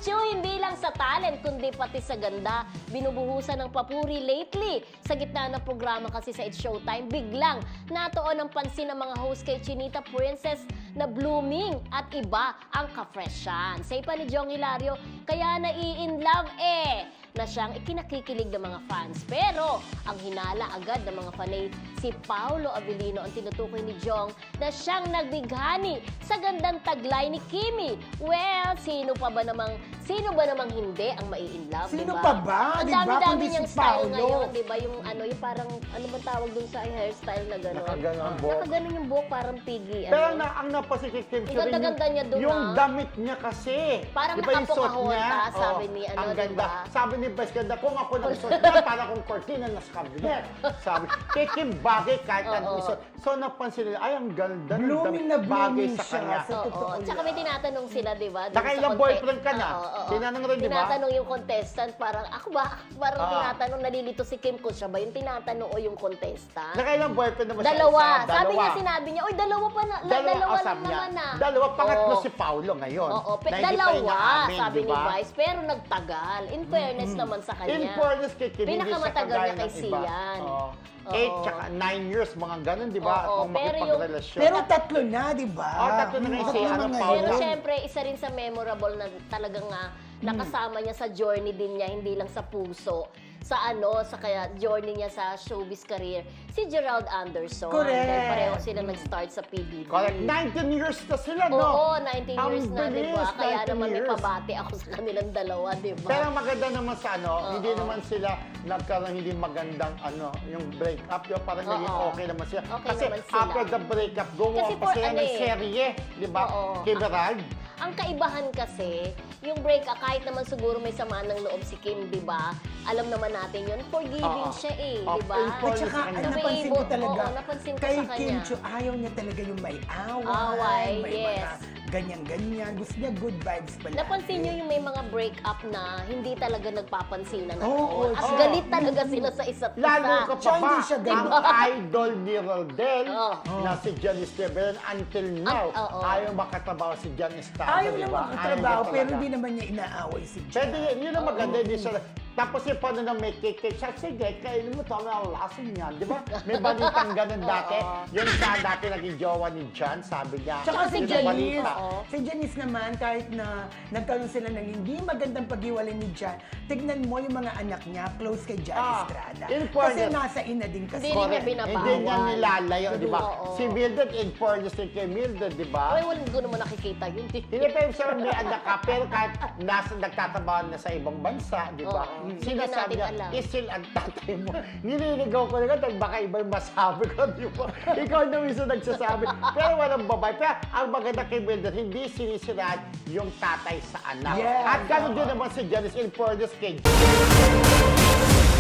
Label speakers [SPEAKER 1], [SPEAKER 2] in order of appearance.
[SPEAKER 1] Chu, hindi lang sa talent, kundi pati sa ganda. Binubuhusan ng papuri lately. Sa gitna ng programa kasi sa It's Showtime, biglang natuon ang pansin ng mga host kay Chinita Princess na blooming at iba ang ka-freshan. Say pa ni Jong Hilario, kaya nai-in love na siyang ikinakikilig ng mga fans. Pero ang hinala agad ng mga fanay, si Paolo Avellino ang tinutukoy ni Jong na siyang nagbighani sa gandang taglay ni Kimi. Well, sino ba namang hindi ang mai-in love,
[SPEAKER 2] Sino
[SPEAKER 1] diba?
[SPEAKER 2] pa ba?
[SPEAKER 1] Ang
[SPEAKER 2] Diba?
[SPEAKER 1] dami-dami
[SPEAKER 2] Kundi
[SPEAKER 1] niyang
[SPEAKER 2] si
[SPEAKER 1] style
[SPEAKER 2] Paolo.
[SPEAKER 1] ngayon, diba? Yung parang, ano ba tawag dun sa hairstyle na gano'n?
[SPEAKER 3] Nakaganon ang buhok.
[SPEAKER 1] Nakaganon yung buhok, parang piggy.
[SPEAKER 3] Pero ang napansin kay Kim
[SPEAKER 1] Ang ganda-ganda niya dun,
[SPEAKER 3] yung
[SPEAKER 1] ah.
[SPEAKER 3] damit niya kasi.
[SPEAKER 1] Parang
[SPEAKER 3] Diba yung suot
[SPEAKER 1] nakapokahon
[SPEAKER 3] niya?
[SPEAKER 1] ka, sabi ni
[SPEAKER 3] ang ganda.
[SPEAKER 1] diba?
[SPEAKER 3] Sabi ni Vice ganda, kung ako nagsuot niya, parang kung cortina na sa cabinet. Sabi, kay Kim bagay kahit anong isuot. So napansin nila, ay ang ganda ng
[SPEAKER 2] Blooming
[SPEAKER 3] damit,
[SPEAKER 2] na
[SPEAKER 3] bagay
[SPEAKER 2] blooming
[SPEAKER 3] sa
[SPEAKER 2] siya.
[SPEAKER 3] kanya.
[SPEAKER 2] Sa totoo
[SPEAKER 1] Oo. Tsaka may tinatanong sila, di ba? dun
[SPEAKER 3] Nakailang
[SPEAKER 1] sa conte-
[SPEAKER 3] boyfriend ka na?
[SPEAKER 1] Oo.
[SPEAKER 3] Tinanong rin, di ba?
[SPEAKER 1] Tinatanong yung contestant, parang ako ba? Parang tinatanong, nalilito si Kim kung siya ba yung tinatanong o yung contestant?
[SPEAKER 3] Nakailang boyfriend naman siya?
[SPEAKER 1] Dalawa.
[SPEAKER 3] Isa,
[SPEAKER 1] Sabi niya, sinabi niya, oy, dalawa pa na, dalawa lang
[SPEAKER 3] sabi niya.
[SPEAKER 1] naman na.
[SPEAKER 3] Dalawa, pangatlo
[SPEAKER 1] Oo.
[SPEAKER 3] si Paulo ngayon.
[SPEAKER 1] Oo,
[SPEAKER 3] na hindi pa
[SPEAKER 1] dalawa,
[SPEAKER 3] inaamin,
[SPEAKER 1] sabi
[SPEAKER 3] di
[SPEAKER 1] ni
[SPEAKER 3] ba?
[SPEAKER 1] Vice, pero nagtagal. In fairness naman sa kanya.
[SPEAKER 3] In fairness kay Kim, hindi siya
[SPEAKER 1] Pinakamatagal
[SPEAKER 3] kagaya
[SPEAKER 1] niya kay
[SPEAKER 3] ng iba.
[SPEAKER 1] Sian.
[SPEAKER 3] Oo.
[SPEAKER 1] Oo.
[SPEAKER 3] 8 tsaka 9 years, mga ganun, di ba?
[SPEAKER 1] Oo,
[SPEAKER 3] Kung
[SPEAKER 1] pero
[SPEAKER 3] makipagrelasyon.
[SPEAKER 2] Pero tatlo na, di ba?
[SPEAKER 3] Tatlo na kasi,
[SPEAKER 2] Tatlo na
[SPEAKER 3] ano,
[SPEAKER 2] ngayon.
[SPEAKER 3] Paolo.
[SPEAKER 1] Pero syempre, isa rin sa memorable na talagang nakasama niya sa journey din niya, hindi lang sa puso, sa kaya journey niya sa showbiz career, si Gerald Anderson.
[SPEAKER 2] Correct.
[SPEAKER 1] Dahil pareho sila nag-start sa PBB.
[SPEAKER 3] Correct. 19 years na sila, no?
[SPEAKER 1] Oo, 19
[SPEAKER 3] Ang
[SPEAKER 1] years na, di ba?
[SPEAKER 3] bilis,
[SPEAKER 1] Kaya
[SPEAKER 3] 19
[SPEAKER 1] naman may
[SPEAKER 3] years.
[SPEAKER 1] pabati ako sa kanilang dalawa, di ba?
[SPEAKER 3] Pero maganda naman sa hindi naman sila nagkaroon hindi magandang yung breakup, di ba? Parang naging
[SPEAKER 1] Oo.
[SPEAKER 3] okay naman sila.
[SPEAKER 1] Okay
[SPEAKER 3] Kasi
[SPEAKER 1] naman sila.
[SPEAKER 3] after the breakup, gumawa
[SPEAKER 1] Kasi
[SPEAKER 3] pa
[SPEAKER 1] for
[SPEAKER 3] sila ng serye, di ba?
[SPEAKER 1] Oo.
[SPEAKER 3] Kay Gerald.
[SPEAKER 1] Ang kaibahan kasi, yung break-up, kahit naman siguro may samaan ng loob si Kim, di ba? Alam naman natin yun, forgiving
[SPEAKER 3] Oo.
[SPEAKER 1] siya
[SPEAKER 3] Oo,
[SPEAKER 1] di ba?
[SPEAKER 3] in
[SPEAKER 2] At
[SPEAKER 3] fairness
[SPEAKER 2] saka,
[SPEAKER 3] sa kanya.
[SPEAKER 2] napansin ko talaga,
[SPEAKER 1] Oo, napansin ko
[SPEAKER 2] kay
[SPEAKER 1] sa kanya.
[SPEAKER 2] Kim Chiu, ayaw niya talaga yung may away,
[SPEAKER 1] Away,
[SPEAKER 2] may
[SPEAKER 1] yes.
[SPEAKER 2] mga ganyan-ganyan. Gusto niya good vibes pala.
[SPEAKER 1] Napansin niyo yung may mga break-up na hindi talaga nagpapansinan at
[SPEAKER 2] Oo,
[SPEAKER 1] all. At
[SPEAKER 3] oo.
[SPEAKER 1] galit talaga sila sa isa't isa.
[SPEAKER 3] Lalo ka pa
[SPEAKER 2] Siya,
[SPEAKER 3] ba,
[SPEAKER 2] hindi siya
[SPEAKER 3] ang
[SPEAKER 2] ganun.
[SPEAKER 3] idol ni Rodel
[SPEAKER 1] Oo.
[SPEAKER 3] na si Jan Esteban until now,
[SPEAKER 1] oo.
[SPEAKER 3] ayaw makatrabaho si Jan Esteban,
[SPEAKER 2] Ayaw
[SPEAKER 3] di
[SPEAKER 2] niya
[SPEAKER 3] ba?
[SPEAKER 2] magtrabaho,
[SPEAKER 3] Ayaw niya
[SPEAKER 2] pero
[SPEAKER 3] talaga.
[SPEAKER 2] hindi naman niya inaaway si Jan.
[SPEAKER 3] Pwede yun ang maganda, hindi siya. Tapos yung paano na may cake, siya, sige, kainin mo to, ang lason niya, di ba? May balitang ganun dati. Yung sa dati naging jowa ni Jan, sabi niya.
[SPEAKER 2] Tsaka si
[SPEAKER 3] yun ang
[SPEAKER 2] Janice,
[SPEAKER 3] balita.
[SPEAKER 2] si Janice naman, kahit na nagkaroon sila ng hindi magandang paghiwalay ni Jan, tignan mo yung mga anak niya, close kay Jan Estrada.
[SPEAKER 3] in
[SPEAKER 2] Kasi
[SPEAKER 3] fairness,
[SPEAKER 2] nasa ina din kasi.
[SPEAKER 1] Hindi rin niya
[SPEAKER 3] correct.
[SPEAKER 1] binabawal.
[SPEAKER 3] Hindi niya nilalayo, di ba?
[SPEAKER 1] Oo.
[SPEAKER 3] Si Mildred, in fairness din kay Mildred, di ba?
[SPEAKER 1] Ay, wala ko naman nakikita yun.
[SPEAKER 3] Hindi pa yung sabi may anak ka, pero kahit nagtatrabaho na sa ibang bansa, di ba?
[SPEAKER 1] Oo. Hindi
[SPEAKER 3] Sinasabi
[SPEAKER 1] natin
[SPEAKER 3] niya,
[SPEAKER 1] alam.
[SPEAKER 3] still ang tatay mo. Nililigaw ko na dahil baka iba yung masabi ko, di ba? Ikaw na mismo nagsasabi. Pero walang babae. Pero ang maganda kay Mildred, hindi sinisiraan yung tatay sa anak.
[SPEAKER 2] Yes.
[SPEAKER 3] At gano'n din naman si Janice in fairness kay